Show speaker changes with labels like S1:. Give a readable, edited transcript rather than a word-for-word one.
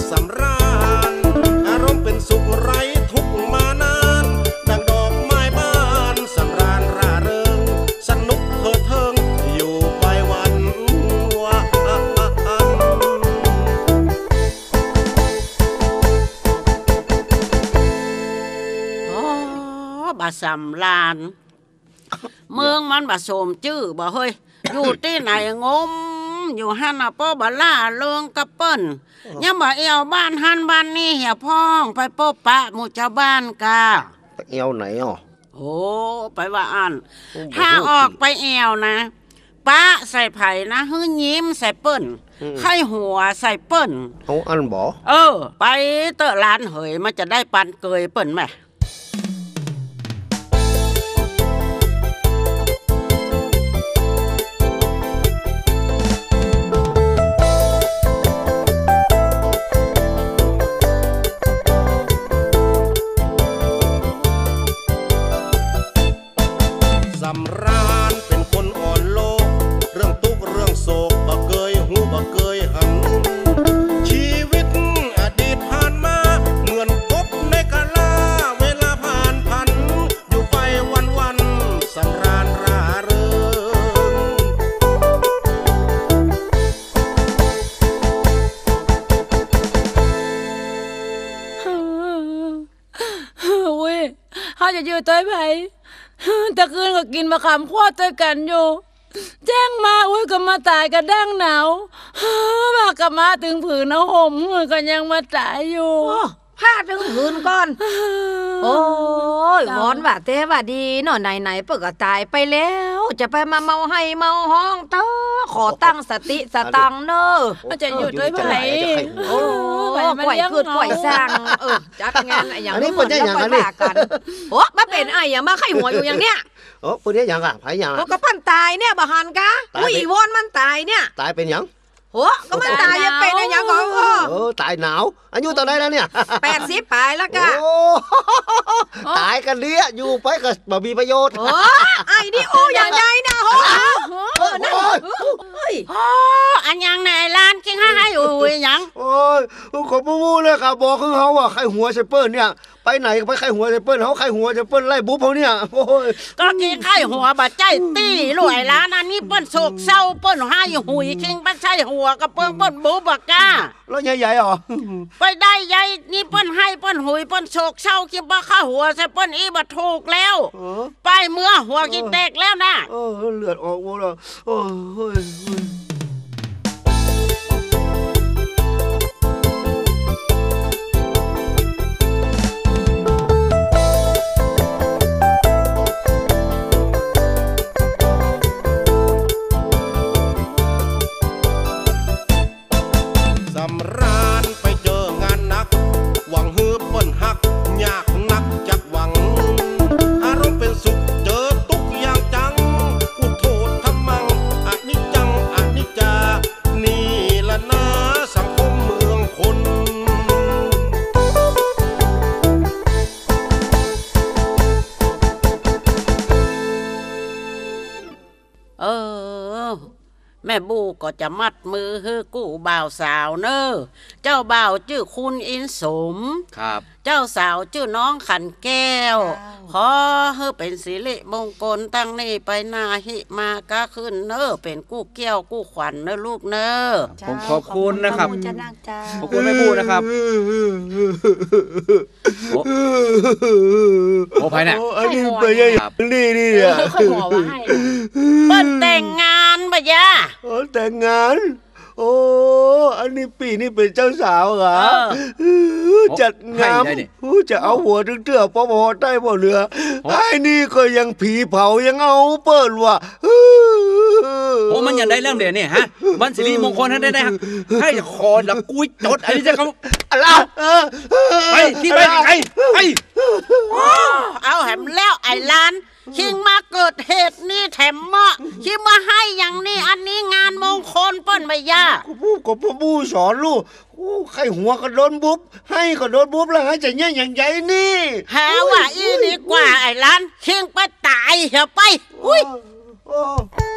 S1: สำราญอารมณ์เป็นสุขไร้ทุกข์มานานดังดอกไม้บานสำราญร่าเริงสนุกเถิดเทิงอยู่ไปวันวัน
S2: บาสำราญเมืองมันบาสมจื้อบ่เฮ้ยอยู่ที่ไหนงมอยู่ฮันน่ะป้อบาล่าเลืองกระเปิ้นยังบ่เอวบ้านฮันบ้านนี่เหี่ยพ้องไปโป๊ะปะหมู่ชาวบ้านกา
S1: ไปเอวไหนอ่ะ
S2: โอ้ไปว่าอันถ้าออกไปเอวนะปะใส่ไผ่นะฮื้อยิ้มใส่เปิ้นไข้หัวใส่เปิ้น
S1: เอาอันบ่
S2: ไปเตอะร้านเหยมันจะได้ปันเกยเปิ้นแม่
S1: สำราญเป็นคนอ่อนโลกเรื่องทุกข์เรื่องโศกบ่เคยหูบ่เคยหันชีวิตอดีตผ่านมาเหมือนกบในกะลาเวลาผ่านพันอยู่ไปวันๆสำราญร่าเริ
S3: งเว้ยเขาจะอยู่ตัวไผ่ตะคืนก็กินมะขามขวดด้วยกันอยู่แจ้งมาอุ้ยก็มาตายกันดั้งหนาวมากลับมาถึงผืนเอาห่มก็ยังมาตายอยู่
S4: ผ้าถึงผืนก่อนโอ้ยวอนว่าแต่ว่าดีเนาะไหนๆเปิดก็ตายไปแล้วจะไปมาเมาให้เมาห้องเต้อขอตั้งสติสตังเนอะ
S3: จะอยู่ด้วยไผ่
S4: โอ้ก่อยคืดก่อยสร้างจัดงานอย่างนี้คนจะอย่างนี้กันโอ้มาเป็นไอ้อย่างมาไข้หัวอยู่อย่างเนี้ย
S1: โอ้คนนี้อย่างอ่ะไผ่อย่าง
S4: ก็ปั้นตายเนี่ยบ่หันกะอุ้ยวอนมันตายเนี่ย
S1: ตายเป็นอย่าง
S4: โหก็มันตายยังเป็นอย่างก่อน
S1: ตายหนาวอายุตอนไหนแล้วเนี่ย
S4: 80 ปลายแล้วกะ
S1: ตายกันเลี้ยอยู่ไปก็บ่มีประโยชน์
S4: ไอ้นี่โออย่างใดนะโหนั่น
S2: อันยังไหนร้านกินให้อยู่ยัง
S1: โอ้ยขอพูดเลยครับบอกคือเขาว่าไข้หัวไชเปิ้ลเนี่ยไปไหนก็ไปไข้หัวไชเปิ้ลเขาไข้หัวไชเปิ้ลไล่บุ๊บเขาเนี่ยโอ้ย
S2: ก็กินไข้หัวบาดใจตี้รวยร้านอันนี้เปิ้ลโศกเศร้าเปิ้ลให้หุยคิงไปใช่หัวกับเปิ้ลบุ๊บบักก้า
S1: แล้วใหญ่ๆหรอ
S2: ไปได้ใหญ่นี่เปิ้ลให้เปิ้ลหุยเปิ้ลโศกเศร้าคิดว่าข้าหัวใส่เปิ้ลอีบัดถูกแล้วไปเมื่อหัวกินแตกแล้วนะ
S1: เลือดออกหมดแล้วโอ้ยสำราญไปเจองานหนักหวังฮือเปิ้นหักยากนักจักหวังอารมณ์เป็นสุขเจอทุกอย่างจังอุโทษทำมังอนิจจังอนิจจานี่ละนะสังคมเมืองคน
S2: แม่บูก็จะมัดมือฮือกู้บ่าวสาวเนอเจ้าบ่าวชื่อคุณอินสม
S1: ครับ
S2: เจ้าสาวชื่อน้องขันแก้วขอฮือเป็นสิริมงคลตั้งนี่ไปนาหิมาก็ขึ้นเนอเป็นกู้เกี้ยวกู้ขวัญเนอลูกเนอ
S5: ผมขอบคุณนะครับขอบคุณแม่บูนะครับโอ้ไปเนี่ย
S1: อันนี้ไปยังนี่อ่ะ
S2: เปิ้ลแต่งงานปะยะ
S1: แต่งงานโอ้อันนี้ปีนี้เป็นเจ้าสาวเหรอจัดงามจะเอาหัวถึงเตื้อพอได้พอเหลือไอ้นี่ก็ยังผีเผายังเอาเปิ้ลว่ะ
S5: โอ้มันยังได้เรื่องเดี๋ยวนี่ฮะมันสิริมงคลได้ให้คอละกุ้ยจดอันนี้จะเขา
S1: อะไร
S5: ไปที่ไปไป
S2: เอาแหมแล้วไอ้ล้านคิงมาเกิดเหตุนี่แถมเหมาะคิงมาให้อย่างนี้อันนี้งานมงคลเปิ้นไม่ยาก
S1: ก็ผู้สอนลูกใครหัวก็โดนบุ๊บให้ก็โดนบุ๊บแล้วให้จะเนี่ยอย่างใหญ่นี่
S2: หาว่าอีดีกว่าไอ้ล้านคิงไปตายเหรอไปอุ้ย